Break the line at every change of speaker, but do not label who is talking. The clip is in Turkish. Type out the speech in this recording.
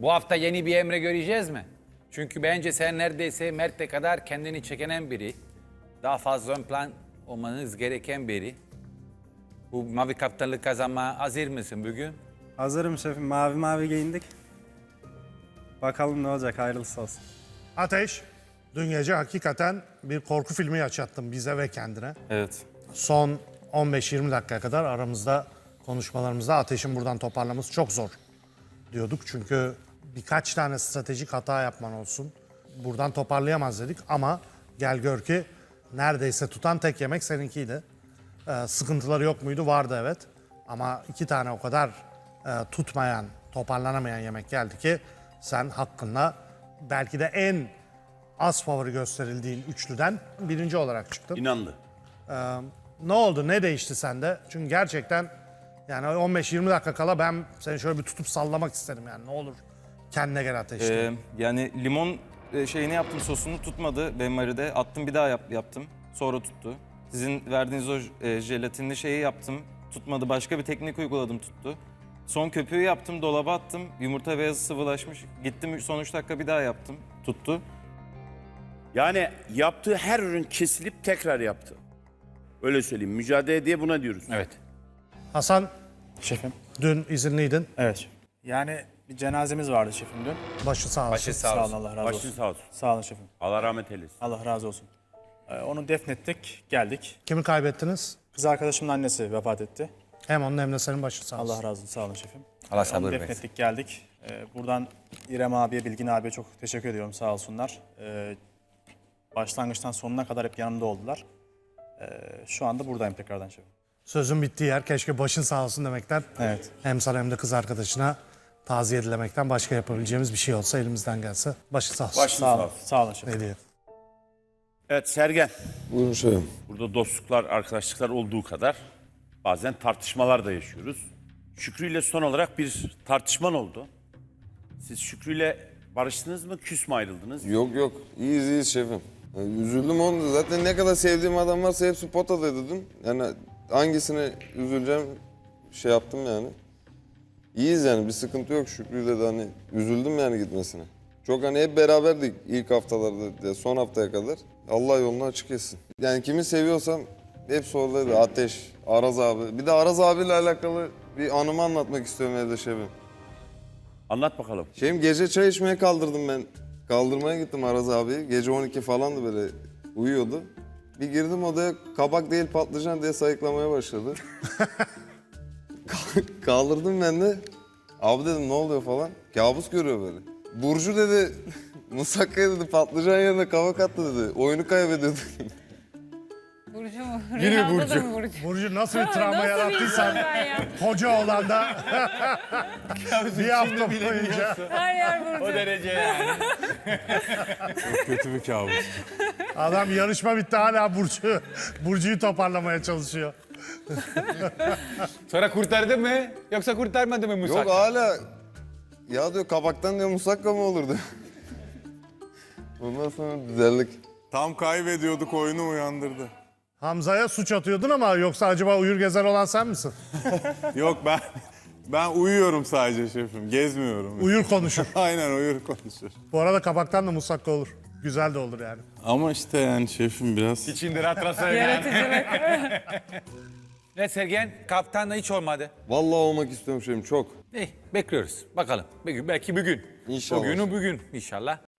Bu hafta yeni bir Emre göreceğiz mi? Çünkü bence sen neredeyse Mert'e kadar kendini çekenen biri. Daha fazla ön plan olmanız gereken biri. Bu mavi kaptanlık kazanma hazır mısın bugün?
Hazırım şefim. Mavi mavi giyindik. Bakalım ne olacak. Hayırlısı olsun.
Ateş, dün gece hakikaten bir korku filmi yaşattın bize ve kendine.
Evet.
Son 15-20 dakikaya kadar aramızda konuşmalarımızda Ateş'in buradan toparlaması çok zor diyorduk. Çünkü birkaç tane stratejik hata yapman olsun. Buradan toparlayamaz dedik ama gel gör ki neredeyse tutan tek yemek seninkiydi. Sıkıntıları yok muydu? Vardı evet. Ama 2 tane o kadar tutmayan, toparlanamayan yemek geldi ki sen hakkında belki de en az favori gösterildiğin üçlüden birinci olarak çıktın.
İnandı.
Ne oldu? Ne değişti sende? Çünkü gerçekten yani 15-20 dakika kala ben seni şöyle bir tutup sallamak isterim yani. Ne olur kendine gel Ateş diye.
Yani limon şeyini yaptım, sosunu tutmadı benmaride. Attım, bir daha yaptım. Sonra tuttu. Sizin verdiğiniz o jelatinli şeyi yaptım. Tutmadı. Başka bir teknik uyguladım, tuttu. Son köpüğü yaptım, dolaba attım. Yumurta beyazı sıvılaşmış. Gittim son 3 dakika bir daha yaptım. Tuttu.
Yani yaptığı her ürün kesilip tekrar yaptı. Öyle söyleyeyim. Mücadele diye buna diyoruz.
Evet.
Hasan
Şefim.
dün izinliydin.
Evet. Yani bir cenazemiz vardı şefim dün.
Başı sağ olsun.
Başı sağ
Sağ olun,
olsun.
Allah razı
Başın
olsun.
sağ olsun.
Sağ olun şefim.
Allah rahmet eylesin.
Allah razı olsun. Onu defnettik, geldik.
Kimi kaybettiniz?
Kız arkadaşımın annesi vefat etti.
hem onun hem de senin başı sağ olsun.
Allah razı olsun, sağ olun şefim.
Allah sabır
Onu
versin.
defnettik, geldik. Buradan İrem abiye, Bilgin abiye çok teşekkür ediyorum, sağ olsunlar. Başlangıçtan sonuna kadar hep yanımda oldular. Şu anda buradayım tekrardan şefim.
Sözün bittiği yer keşke başın sağ olsun demekten.
Evet.
Hem sana hem de kız arkadaşına taziye dilemekten başka yapabileceğimiz bir şey olsa elimizden gelse. Başı sağ olsun.
Başın
Sağ
sağ
olun,
olsun.
sağ olun şefim.
Ne diyeyim?
Evet Sergen.
Buyurun şefim.
Burada dostluklar, arkadaşlıklar olduğu kadar bazen tartışmalar da yaşıyoruz. Şükrü ile son olarak bir tartışman oldu. Siz Şükrü ile barıştınız mı, küs mü ayrıldınız?
Yok iyiyiz şefim. Yani üzüldüm onu. Zaten ne kadar sevdiğim adam varsa hepsi potadaydı dün. Yani hangisine üzüleceğim şey yaptım yani. İyiyiz yani, bir sıkıntı yok. Şükrü'yle de hani üzüldüm yani gitmesine. Çok hani hep beraberdik ilk haftalarda, son haftaya kadar. Allah yolunu açık etsin. Yani kimi seviyorsam hepsi oradaydı. Ateş, Araz abi. Bir de Araz abiyle alakalı bir anımı anlatmak istiyorum evde şefim.
Anlat bakalım.
Gece çay içmeye kaldırdım ben. Kaldırmaya gittim Araz abi. Gece 12 falandı, böyle uyuyordu. Bir girdim odaya, kabak değil patlıcan diye sayıklamaya başladı. Kaldırdım ben de. Abi dedim ne oluyor falan. Kabus görüyor böyle. Burcu dedi, musakkaya dedi patlıcan yerine kabak attı dedi. Oyunu kaybediyordu.
Burcu mu?
Yine
Rüyamda da
Burcu.
mı Burcu?
Burcu nasıl bir travma
Nasıl
yarattıysan
bilmiyorum ben ya.
koca olanda bir hafta boyunca
Her yer Burcu.
derece yani.
Kötü bir kabus.
adam yarışma bitti hala Burcu'yu toparlamaya çalışıyor.
Sonra kurtardı mı? Yoksa kurtarmadı mı Musa?
Yok hala, ya diyor kabaktan diyor musakka mı olur diyor. Ondan sonra düzeldik.
Tam kaybediyorduk, oyunu uyandırdı.
Hamza'ya suç atıyordun ama yoksa acaba uyur gezer olan sen misin?
Yok ben uyuyorum sadece şefim, gezmiyorum.
Uyur konuşur.
Aynen uyur konuşur.
Bu arada kabaktan da musakka olur. Güzel de olur yani.
Ama işte yani şefim biraz...
İçinde rahat
Yaratıcılık.
Ne Sergen? Kaptanla hiç olmadı.
Vallahi olmak istiyorum şefim çok.
Bekliyoruz. Bakalım. Belki bugün.
İnşallah.
Bugün inşallah.